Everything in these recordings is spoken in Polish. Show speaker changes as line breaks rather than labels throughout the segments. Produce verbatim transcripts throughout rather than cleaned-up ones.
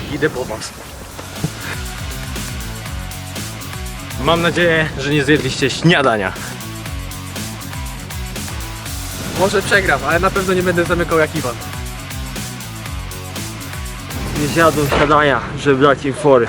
idę po was. Mam nadzieję, że nie zjedliście śniadania.
Może przegram, ale na pewno nie będę zamykał jak Iwan.
Nie zjadłem śniadania, żeby dać im fory.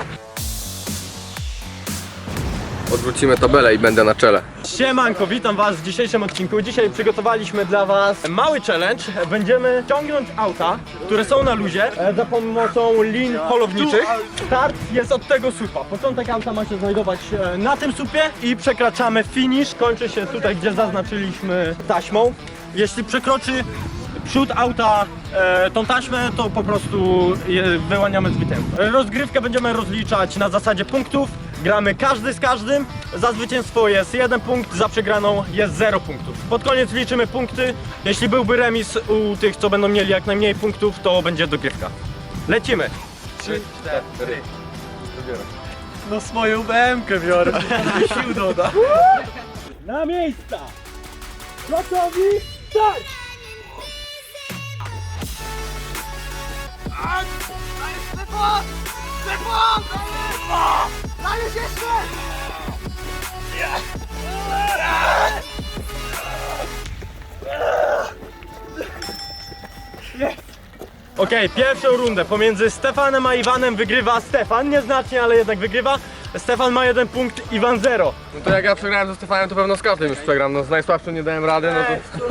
Odwrócimy tabelę i będę na czele.
Siemanko, witam was w dzisiejszym odcinku. Dzisiaj przygotowaliśmy dla was mały challenge. Będziemy ciągnąć auta, które są na luzie e, za pomocą lin polowniczych. Start jest od tego słupa. Początek auta ma się znajdować e, na tym słupie i przekraczamy finish. Kończy się tutaj, gdzie zaznaczyliśmy taśmą. Jeśli przekroczy przód auta e, tą taśmę, to po prostu je, wyłaniamy zwycięstwo. Rozgrywkę będziemy rozliczać na zasadzie punktów. Gramy każdy z każdym. Za zwycięstwo jest jeden punkt, za przegraną jest zero punktów. Pod koniec liczymy punkty. Jeśli byłby remis u tych, co będą mieli jak najmniej punktów, to będzie dogrywka. Lecimy!
trzy, cztery.
No swoją B M kę biorę, sił doda. Na miejsca! Gotowi? Start!
Stefan! Stefan! Dajesz jeszcze!
Okej, pierwszą rundę pomiędzy Stefanem a Iwanem wygrywa Stefan, nieznacznie, ale jednak wygrywa. Stefan ma jeden punkt, Iwan zero.
No to jak ja przegrałem ze Stefanem, to pewno z każdym już przegram. No z najsłabszym nie dałem rady, no to...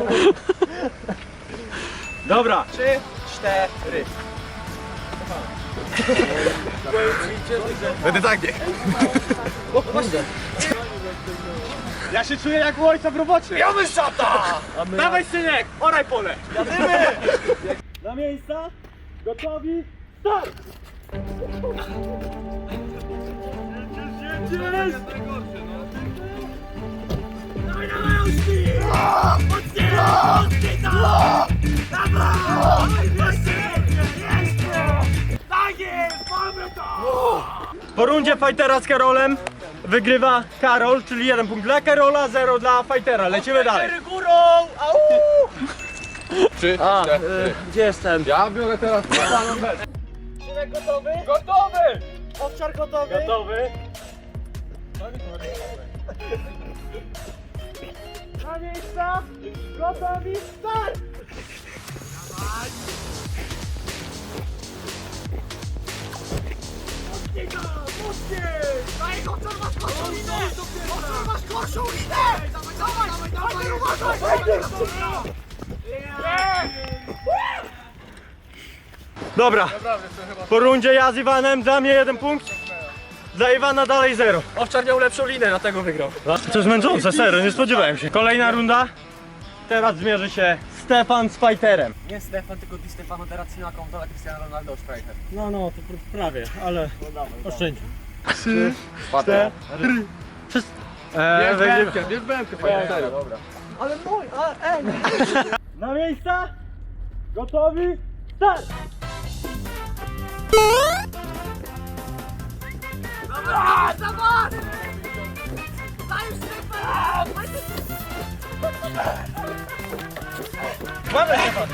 Dobra.
Trzy, cztery.
Będę tak nie.
Ja się czuję jak u ojca w robocie.
Ja bym szata!
Dawaj synek, oraj pole. Jadymy! Na miejsca, gotowi, start!
Dawaj, dawaj, Ości! Mocniej! Mocniej tam! Dawaj! Jeszcze! Jeszcze! Tak jest! Mamy to!
Po rundzie fightera z Karolem wygrywa Karol, czyli jeden punkt dla Karola, zero dla fightera. Lecimy dalej.
Cztery górą! Au!
Trzy,
A,
cztery.
y, gdzie jestem?
Ja biorę teraz...
Szymek gotowy?
Gotowy!
Owczar gotowy?
Gotowy.
Na miejsca! Gotowi? Start! Mocniej tam! Mocniej! Daj, Owczar masz gorszą linę! Owczar masz gorszą linę! Dawaj, dawaj, dawaj! Uważaj!
Dobra, po rundzie ja z Iwanem, dla mnie jeden punkt, dla Iwana dalej zero.
Owczar miał lepszą linę, dlatego wygrał.
To jest męczące, serio, nie spodziewałem się. Kolejna runda, teraz zmierzy się Stefan z fighterem.
Nie Stefan, tylko Di Stefano teraz na konto, a Cristiano Ronaldo striker.
No, no, to prawie, ale oszczędźmy.
Trzy,
cztery, Wszyscy... Eee,
Bierz
wygrywa-
bębkę, bierz bębkę, panie, serio. Dobra.
Ale mój, a ej!
Na miejsca, gotowi, start!
Dobra, dawaj! Dajesz Stefan!
Mamy Stefan!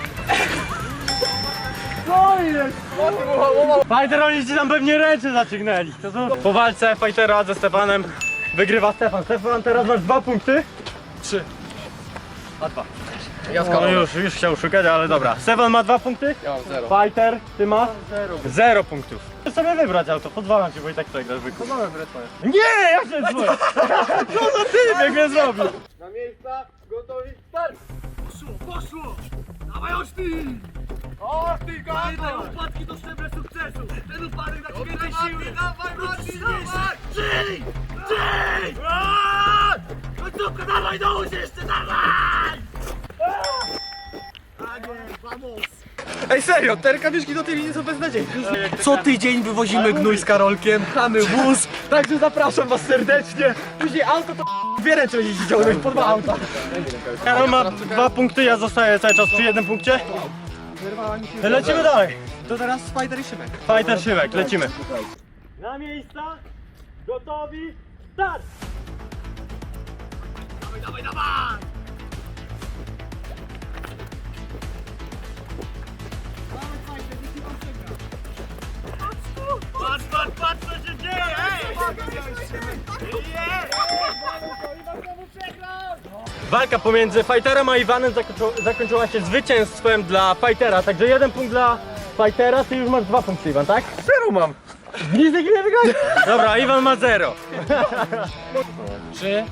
Fighter, oni ci tam pewnie ręce zaciągnęli. To co? Po walce fightera ze Stefanem wygrywa Stefan. Stefan, teraz masz dwa punkty.
Trzy.
A dwa.
Ja z
No
Karolem.
już, już chciał szukać, ale dobra. Stefan ma dwa punkty.
Ja mam zero.
Fighter, ty masz? Zero. Zero punktów. Chcesz sobie wybrać auto, pozwalam ci, bo i tak przegrasz wykup.
No mamy wreszcie.
Nie, ja się dzwonię. No to ty bieg mnie zrobił.
Na miejsca, gotowi, start!
Poszło, poszło! Dawaj Ości!
Ości,
Daj upadki to szczeble sukcesu! Ten upadek da ci więcej siły! Dawaj, Marcin, dawaj! Żyj! Żyj! Końcówka, dawaj do łóż jeszcze, dawaj! Tak jest, vamos!
Ej, serio, te rękawiczki do tej linii są beznadziejne. Co tydzień wywozimy gnój z Karolkiem, pchamy wóz, także zapraszam was serdecznie. Później auto to dwie ręce będziecie ciągnąć, po dwa auta.
Karol ma dwa punkty, ja zostaję cały czas przy jednym punkcie. Lecimy dalej.
To teraz Spider i Szymek.
Fighter Szymek, lecimy. Na miejsca, gotowi, start!
Dawaj, dawaj, dawaj! Dawaj, fajnie, nie ci pan przegra.
Walka pomiędzy Fighterem a Iwanem zakończyła, zakończyła się zwycięstwem dla Fightera, także jeden punkt dla Fightera, ty już masz dwa punkty, Iwan, tak?
Zero mam.
Nic takiego nie wygrałeś? Dobra, Iwan ma zero.
Trzy.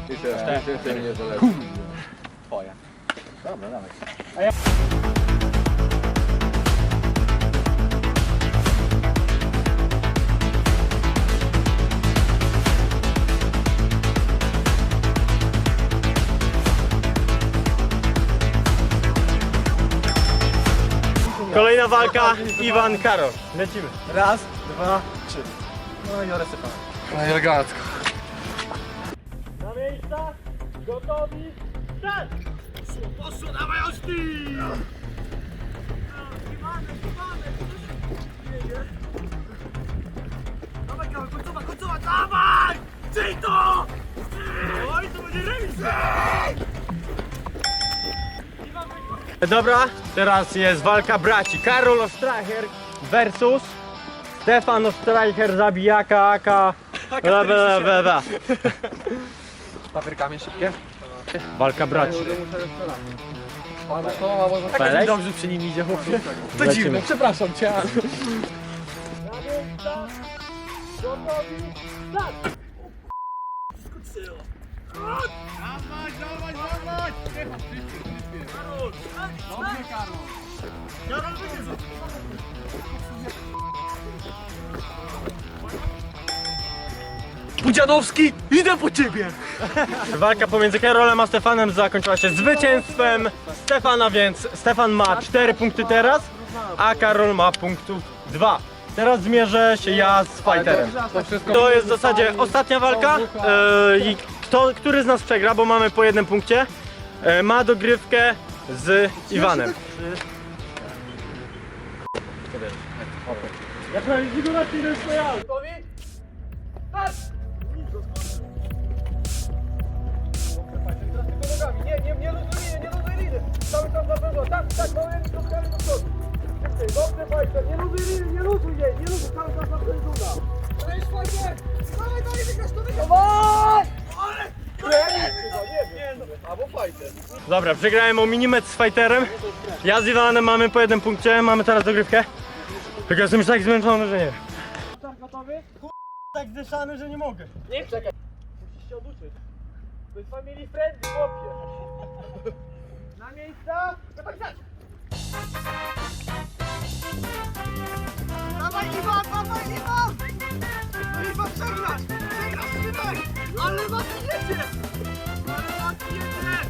Kolejna walka, Iwan, Karol. Lecimy.
Raz, dwa, trzy. No i oresypałem. No i elegancko.
Na miejsca, gotowi, start!
Poszło, dawaj ostry! Dawaj, Karol, końcowa, końcowa, dawaj! Czyj to! Oj, to będzie remis!
Dobra, teraz jest walka braci. Karol Ostracher versus Stefan Ostracher, zabijaka, aka... Bla, bla, bla, bla.
Papierkami szybkie.
Walka braci.
Tak
Felek?
dobrze przy nim idzie, chłopie. To
Lecimy.
dziwne, przepraszam cię. ale-
Dawaj, dawaj, dawaj! Karol! Dobrze, Karol! Karol, wyjdzie!
Budzianowski, idę po ciebie!
Walka pomiędzy Karolem a Stefanem zakończyła się zwycięstwem Stefana, więc Stefan ma cztery punkty teraz, a Karol ma punktów dwa. Teraz zmierzę się ja z Fighterem. To jest w zasadzie ostatnia walka e, i kto, który z nas przegra, bo mamy po jednym punkcie, e, ma dogrywkę z Iwanem.
Nie, nie, nie luzuj liny, nie luzuj liny. Cały czas za pewno, tak, tak, małymi krokami do przodu. Szybciej, dobrze, Fajter, nie luzuj liny, nie luzuj jej, nie luzuj, cały czas za pewno. To jest Fajter! Dawaj, dawaj, wygrasz, to wygrasz! Dawaj! Ale! Nie wiem, albo Fajter.
Dobra, przegrałem o minimetr z Fighterem. Ja z Iwanem mamy po jednym punkcie, mamy teraz dogrywkę. Tylko jestem już tak zmęczony, że nie wiem.
Gotowy?
Tak zdyszany, że nie mogę.
Nie, czekaj. Musisz się oduczyć. To jest family friendly, chłopie. Na miejsca, gotowi, start!
Dawaj, Iwan, dawaj, Iwan! No Iwan, przegrasz! Przegrasz, szybaj! Ale was jedzie! Ale was jedzie!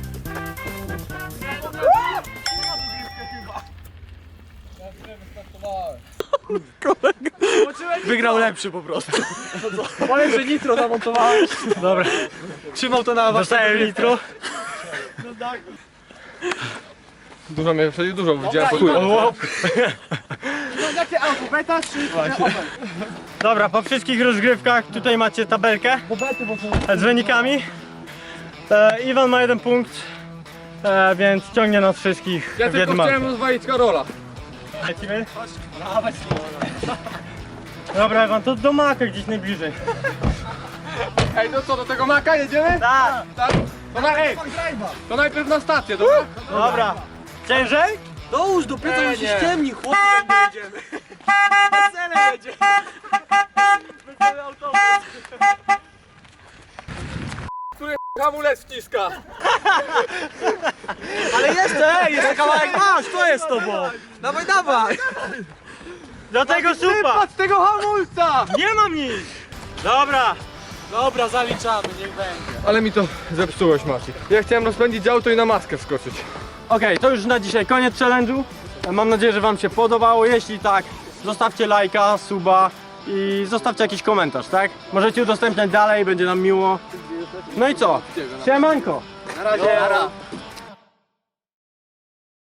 Wygrał lepszy po prostu. Powiem, że nitro zamontowałeś.
Dobra,
Trzymał to na was.
dostałem litro.
Dużo mnie, wtedy dużo widziałem.
O,
Jakie auto, beta czy Opel?
dobra, po wszystkich rozgrywkach tutaj macie tabelkę z wynikami. E, Iwan ma jeden punkt, e, więc ciągnie nas wszystkich
Ja
w
tylko
jednym
chciałem
aucie.
rozwalić Karola.
Lecimy? Dobra, Iwan, to do Maka gdzieś najbliżej.
Ej, no co, do tego Maka jedziemy?
Tak,
Tak? To, na, ej, to najpierw na stację, dobra?
dobra. Ciężej?
Dołóż do pieca, już się ściemni, chłopie, jak jedziemy. Wesele jedzie. Wesele autobus.
Hamulec wciska.
Ale jeszcze, ej, jeszcze kawałek masz, to jest to, bo. Dawaj, dawaj.
Do tego supa!
Patrz tego hamulca!
Nie mam nic! Dobra,
Dobra, zaliczamy, niech będzie.
Ale mi to zepsułeś, Maciek. Ja chciałem rozpędzić auto i na maskę wskoczyć.
okej, to już na dzisiaj koniec challenge'u. Mam nadzieję, że wam się podobało. Jeśli tak, zostawcie lajka, suba i zostawcie jakiś komentarz, tak? Możecie udostępniać dalej, będzie nam miło. No i co? Siemanko!
Na razie.